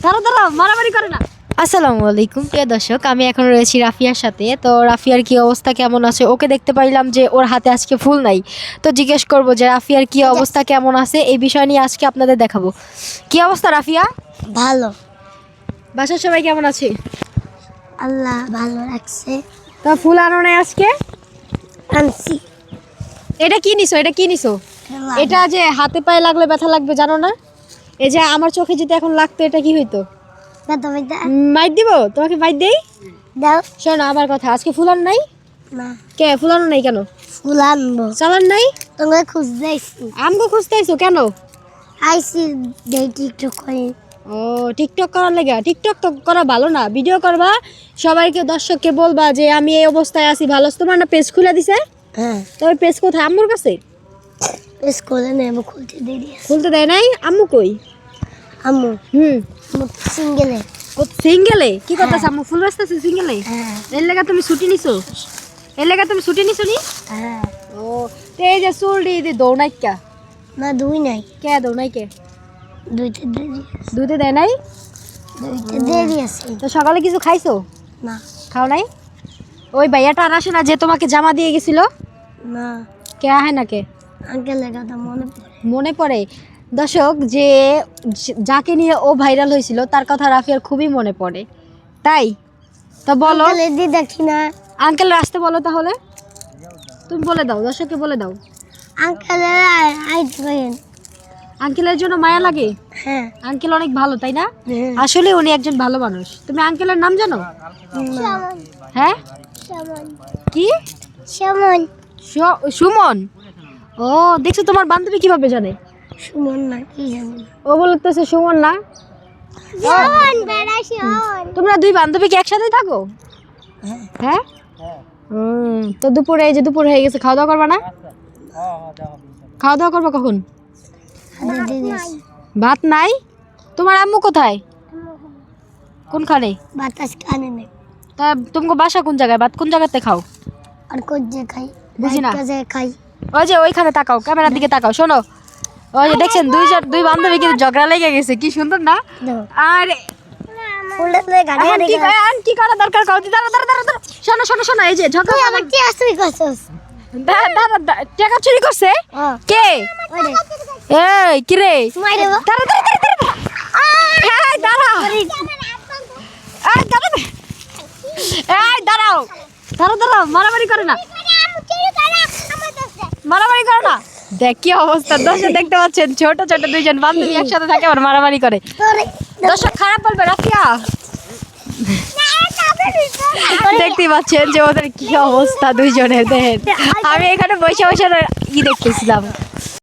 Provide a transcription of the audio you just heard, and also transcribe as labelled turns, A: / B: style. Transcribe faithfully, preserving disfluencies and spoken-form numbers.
A: দাঁড়াও দাঁড়াও, মারামারি করে না। আসসালামু আলাইকুম প্রিয় দর্শক, আমি এখন রয়েছি রাফিয়ার সাথে। তো রাফিয়ার কি অবস্থা, কেমন আছে? ওকে দেখতে পাইলাম যে ওর হাতে আজকে ফুল নাই, তো জিজ্ঞেস করবো যে রাফিয়ার কি অবস্থা, কেমন আছে, এই বিষয় নিয়ে আজকে আপনাদের দেখাবো। কি অবস্থা রাফিয়া?
B: ভালো,
A: বাসার সবাই কেমন আছে?
B: আল্লাহ ভালো রাখছে।
A: তা ফুল আনো নাই আজকে?
B: আনছি।
A: এটা কি নিছো? এটা কি নিছো? এটা যে হাতে পায়ে লাগলে ব্যথা লাগবে, জানো না? এই যে আমার চোখে যদি এখন লাগতো, এটা কি হইতো?
B: ব্যথা ব্যথা
A: মাইট দিব তোমাকে, মাইট দেই।
B: দাও।
A: শোনো আমার কথা, আজকে ফুল আনো নাই?
B: না,
A: কে ফুল আনো নাই কেন?
B: ফুল আনবো।
A: চালান নাই?
B: তোমাকে খুঁজতে আইসি।
A: আমগো খুঁজতে আইছো কেন?
B: আইসি দেই টিকটক করে।
A: ও টিকটক করার লেগে? টিকটক তো করা ভালো না, ভিডিও করবা, সবাইকে দর্শককে বলবা যে আমি এই অবস্থায় আছি, ভালো আছি। তোমার না পেজ খুলে দিছে?
B: হ্যাঁ,
A: তবে পেজ কোথায়? আম্মুর কাছে?
B: পেস করে নেবো, খুলতে দেরি আছে।
A: খুলতে দেয় নাই? আম্মু কই?
B: আম্মু
A: হুম,
B: আম্মু সিঙ্গেলে।
A: ও সিঙ্গেলে কি কথা? আম্মু ফুল রাস্তাছে সিঙ্গেলে?
B: হ্যাঁ
A: এর লেগে তুমি ছুটি নিছো? এর লেগে তুমি ছুটি নিছো নি?
B: হ্যাঁ।
A: ও তো এই যে চুল দি দৌড়াই কা?
B: না, দুই নাই,
A: কে দৌড়াই কে?
B: দুইটা দেরি আছে।
A: দুধে দেয় নাই?
B: দুইটা দেরি আছে।
A: তো সকালে কিছু খাইছো?
B: না
A: খাও নাই? ওই ভাইয়াটা আর আসে না যে তোমাকে জামা দিয়ে গেছিল?
B: না,
A: কে আহে না কে?
B: আঙ্কেলের কথা মনে পড়ে।
A: মনে পড়ে? দর্শক, যে যাকে নিয়ে ও ভাইরাল হয়েছিল তার কথা রাফিয়ার খুবই মনে পড়ে, তাই তো বলো।
B: আঙ্কেলের দি দেখি না।
A: আঙ্কেল আসতে বলো তাহলে, তুমি বলে দাও, দর্শককে বলে দাও।
B: আঙ্কেলের আইতে পারেন।
A: আঙ্কেলের জন্য মায়া লাগে?
B: হ্যাঁ
A: আঙ্কেল অনেক ভালো, তাই না?
B: হ্যাঁ।
A: আসলে উনি একজন ভালো মানুষ। তুমি আঙ্কেলের নাম জানো? হ্যাঁ, কি?
B: সুমন।
A: সু- সুমন? ও দেখছো, তোমার বান্ধবী কিভাবে জানে?
B: সুমন না, কি জানি।
A: ও বলতেছে সুমন না।
B: সুমন বেড়া সুমন।
A: তোমরা দুই বান্ধবী কি একসাথে থাকো? হ্যাঁ। হুম, তো দুপুরে, এই যে দুপুর হয়ে গেছে, খাওয়া দাওয়া করবা না? খাওয়া দাওয়া করবা কখন? ভাত নাই? তোমার আম্মু কোথায়? কোনখানে?
B: বাতাস কানে নেই।
A: তা তোমাকে বাসা কোন জায়গায়? ভাত কোন জায়গাতে খাও?
B: আর কোজে খাই,
A: বুঝি না।
B: কাজে খাই।
A: ওই যে ওইখানে তাকাও, ক্যামেরার দিকে তাকাও। শোনো, ওই যে দেখছেন দুইজন দুই বান্ধবী কিন্তু ঝগড়া লেগে গেছে, কি সুন্দর না? আর
B: ফুললে গাড়ি
A: এখন কি কয়, আর কি করা দরকার কাউ? দাঁড়া দাঁড়া দাঁড়া দাঁড়া। শোনো শোনো শোনো, এই যে ঝগড়া,
B: আমার কি আসুই করছস?
A: দাঁড়া দাঁড়া দাঁড়া, টাকা চুরি করছে কে?
B: ওরে
A: এই কি রে?
B: মাইরে বা।
A: দাঁড়া দাঁড়া দাঁড়া দাঁড়া। এই দাঁড়া, এই দাঁড়া, এই দাঁড়াও, দাঁড়াও দাঁড়াও, মারামারি করে না, মারামারি করে না। দেখ কি অবস্থা, দর্শক দেখতে পাচ্ছেন, ছোট ছোট দুইজন বান্ধবী একসাথে থাকে আবার মারামারি করে।
B: তোরে
A: দর্শক খারাপ বলবে রাফিয়া। দেখতেই পাচ্ছেন যে ওদের কি অবস্থা দুইজনের, দেখেন। আমি এখানে বসে বসে ই দেখতেছিলাম।